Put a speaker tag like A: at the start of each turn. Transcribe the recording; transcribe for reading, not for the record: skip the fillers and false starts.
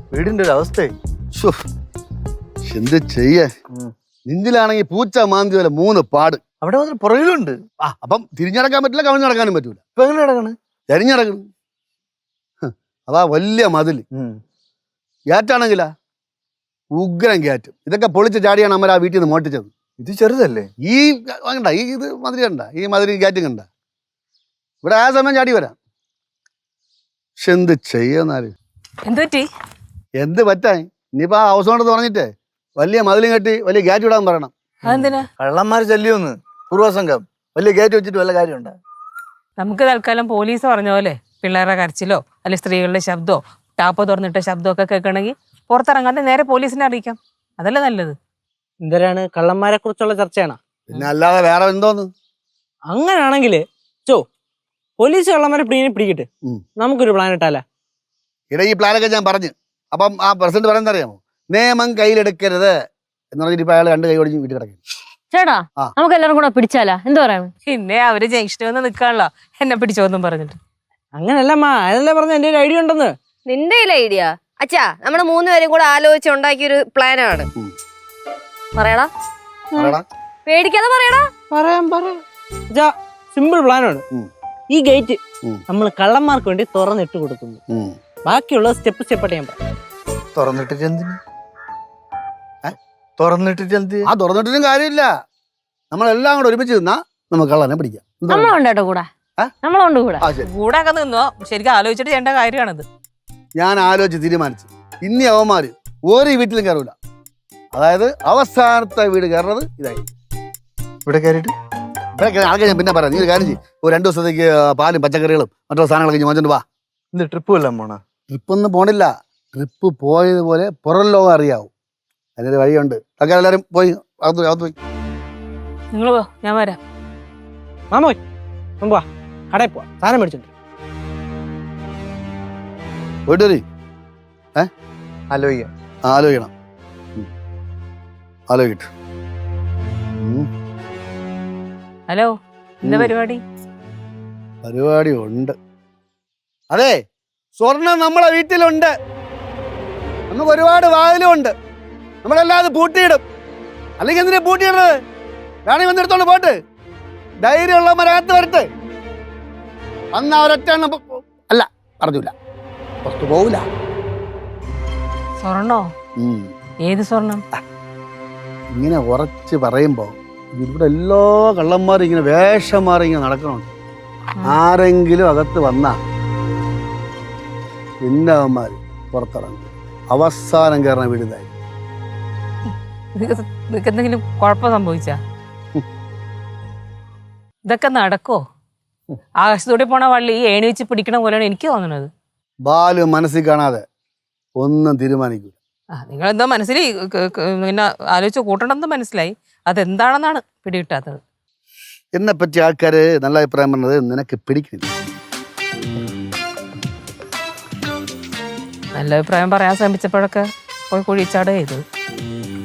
A: വീടിന്റെ ഒരു അവസ്ഥ.
B: എന്ത് ചെയ്യേ, നെഞ്ചിലാണെങ്കിൽ പൂച്ച മാന്തി പോലെ 3 പാട്.
A: അവിടെ മാത്രം പുറകിലുണ്ട്.
B: അപ്പം തിരിഞ്ഞടക്കാൻ പറ്റില്ല, കവിഞ്ഞ് നടക്കാനും പറ്റൂല.
A: ഇപ്പൊ എങ്ങനെ നടക്കണ്?
B: ചരിഞ്ഞടക്കണം. അതാ വലിയ മതില്. ഗ്യാറ്റാണെങ്കിലാ ഉഗ്രം ഗ്യാറ്റ്. ഇതൊക്കെ പൊളിച്ച് ചാടിയാണ് അമ്മ ആ വീട്ടിൽ നിന്ന് മോട്ടിച്ചത്.
A: ഇത് ചെറുതല്ലേ?
B: ഈ കണ്ട ഇത് മതിരി കണ്ട, ഈ മതിരി ഗ്യാറ്റും കണ്ട. ഇവിടെ ആ സമയം ചാടി വരാം. പക്ഷെ എന്ത് ചെയ്യുന്നാല്, എന്ത് പറ്റാൻ? ഇനിയിപ്പോ ആ ഹൗസ് ഓണർ പറഞ്ഞിട്ടേ വലിയ മതിലും കെട്ടി വലിയ ഗ്യാറ്റ് ഇടാൻ പറയണം.
C: അതെന്തിനാ?
A: കള്ളന്മാർ ശല്യമൊന്ന് പൂർവ്വസംഘം വലിയ ഗേറ്റ് വെച്ചിട്ട് വല്ല കാര്യമുണ്ടോ?
C: നമുക്ക് തൽക്കാലം പോലീസ് പറഞ്ഞ പോലെ പിള്ളേരുടെ കരച്ചിലോ അല്ലെങ്കിൽ സ്ത്രീകളുടെ ശബ്ദമോ ടാപ്പ് തുറന്നിട്ട ശബ്ദമോ ഒക്കെ കേൾക്കണമെങ്കിൽ പുറത്തിറങ്ങാതെ നേരെ പോലീസിനെ അറിയിക്കാം. അതല്ലേ നല്ലത്.
D: എന്തരാണ് കള്ളന്മാരെ കുറിച്ചുള്ള ചർച്ചയാണോ?
B: പിന്നെ അല്ലാതെ വേറെ എന്തോന്ന്?
D: അങ്ങനാണെങ്കില് പോലീസ് കള്ളന്മാരെ പിടിക്കട്ടെ, നമുക്കൊരു പ്ലാൻ ഇട്ടാലേ.
B: ഇട ഈ പ്ലാനൊക്കെ ഞാൻ പറഞ്ഞു. അപ്പം ആ പ്രസിഡന്റ് പറയുന്നത് അറിയാമോ? നിയമം കയ്യിലെടുക്കരുത് എന്ന് പറഞ്ഞിട്ട് ഇപ്പൊ അയാൾ 2 കൈ ഓടിച്ച് വീട്ടിൽ കിടക്കും.
E: ചേട്ടാ നമുക്ക് എല്ലാവരും കൂടെ പിടിച്ചാലാ? എന്താ പറയാ?
C: പിന്നെ അവര് ജംഗ്ഷനിൽ വന്ന് നിൽക്കാണല്ലോ എന്നെ പിടിച്ചോന്നും പറഞ്ഞിട്ട്.
D: അങ്ങനല്ല അതല്ലേ പറഞ്ഞ എന്റെ ഒരു ഐഡിയ ഉണ്ടെന്ന്.
F: നിന്റെ ഐഡിയ അച്ഛാ, നമ്മള് 3 പേരും കൂടെ ആലോചിച്ച് ഉണ്ടാക്കിയൊരു പ്ലാനാണ്. പറയടാ, പേടിക്കാതെ പറയടാ.
D: പറയാം. സിമ്പിൾ പ്ലാനാണ്. ഈ ഗേറ്റ് നമ്മൾ കള്ളന്മാർക്ക് വേണ്ടി തുറന്നിട്ട് കൊടുക്കുന്നു. ബാക്കിയുള്ള സ്റ്റെപ്പ് സ്റ്റെപ്പായിട്ട് ഞാൻ പറയാം.
A: തുറന്നിട്ടിട്ട് എന്തിന്? തുറന്നിട്ടിട്ട് എന്ത്?
B: ആ തുറന്നിട്ടൊന്നും കാര്യമില്ല. നമ്മളെല്ലാം കൂടെ ഒരുമിച്ച് നിന്നാ നമുക്ക് കള്ളനെ പിടിക്കാം.
E: നമ്മളുണ്ട് കേട്ടോ കൂടെ, നമ്മളുണ്ട് കൂടെ.
C: കൂടെ ഒക്കെ നിന്നോ, ശരിക്കും ആലോചിച്ചിട്ട് ചെയ്യേണ്ട കാര്യമാണിത്.
B: ഞാൻ ആലോചിച്ച് തീരുമാനിച്ചു, ഇനി അവന്മാര് ഒരു വീട്ടിലും കയറൂല. അതായത് അവസാനത്തെ വീട് കയറുന്നത് ഇതായി.
A: ഇവിടെ കയറിയിട്ട്
B: ഇവിടെ ആൾക്കാർ ഞാൻ പിന്നെ പറയാം. നീ ഒരു കാര്യം ചെയ്യും, ഒരു 2 ദിവസത്തേക്ക് പാലും പച്ചക്കറികളും മറ്റുള്ള സാധനങ്ങളൊക്കെ വാങ്ങിച്ചോണ്ട് വാ.
A: എന്ത് ട്രിപ്പ് വല്ലതും പോണ?
B: ട്രിപ്പൊന്നും പോണില്ല. ട്രിപ്പ് പോയതുപോലെ പുറം ലോകം അറിയാവും. അതിനൊരു വഴിയുണ്ട്. ഒക്കെ എല്ലാവരും പോയി അകത്ത് പോയി.
C: നിങ്ങൾ പോ, ഞാൻ വരാം.
D: മാമോയ് മുമ്പാ കടയിൽ പോവാ, സാധനം മേടിച്ചിട്ട്.
B: പോയിട്ട് വരി.
A: ആലോചിക്കാം.
B: ആലോചിക്കണം. ആലോചിക്കട്ടെ.
C: ഹലോ, എന്താ പരിപാടി?
B: പരിപാടി ഉണ്ട്. അതെ, സ്വർണം നമ്മളെ വീട്ടിലുണ്ട്. നമുക്ക് ഒരുപാട് വാതിലും ഉണ്ട്. നമ്മളല്ലാതെ പൂട്ടിയിടും. അല്ലെങ്കിൽ എന്തിനാ പൂട്ടിയിടുന്നത്? വേണമെങ്കിൽ വന്നെടുത്തോണ്ട് പോട്ട്. ധൈര്യമുള്ളവരകത്ത് വരട്ടെ. അന്ന് അവരൊറ്റ അല്ല പറഞ്ഞില്ല, പുറത്തു പോവില്ല.
C: സ്വർണ്ണോ? ഏത് സ്വർണം?
B: ഇങ്ങനെ ഉറച്ച് പറയുമ്പോ ഇവിടെ എല്ലാ കള്ളന്മാരും ഇങ്ങനെ വേഷം മാറി ഇങ്ങനെ നടക്കണുണ്ട്. ആരെങ്കിലും അകത്ത് വന്നാ പിന്നെ അവന്മാര് പുറത്തിറങ്ങും. അവസാനം കയറണ വീടുതായി.
C: നിനക്ക് എന്തെങ്കിലും കുഴപ്പം സംഭവിച്ചാ? ഇതൊക്കെ നടക്കോ? ആകാശത്തൂടെ പോണ വള്ളി ഈ ഏണി വെച്ച് പിടിക്കണ പോലെയാണ് എനിക്ക് തോന്നുന്നത്.
B: ബാലു മനസ്സിൽ കാണാതെ ഒന്നും തീരുമാനിക്കൂല.
C: നിങ്ങളെന്തോ മനസ്സിൽ പിന്നെ ആലോചിച്ച് കൂട്ടണമെന്ന് മനസ്സിലായി. അതെന്താണെന്നാണ് പിടികിട്ടാത്തത്.
B: എന്നെ പറ്റി ആൾക്കാര് നല്ല അഭിപ്രായം പറഞ്ഞത് നിനക്ക് പിടിക്കുന്നില്ല.
C: നല്ല അഭിപ്രായം പറയാൻ ശ്രമിച്ചപ്പോഴൊക്കെ പോയി കുഴിച്ചാട് ചെയ്തത്.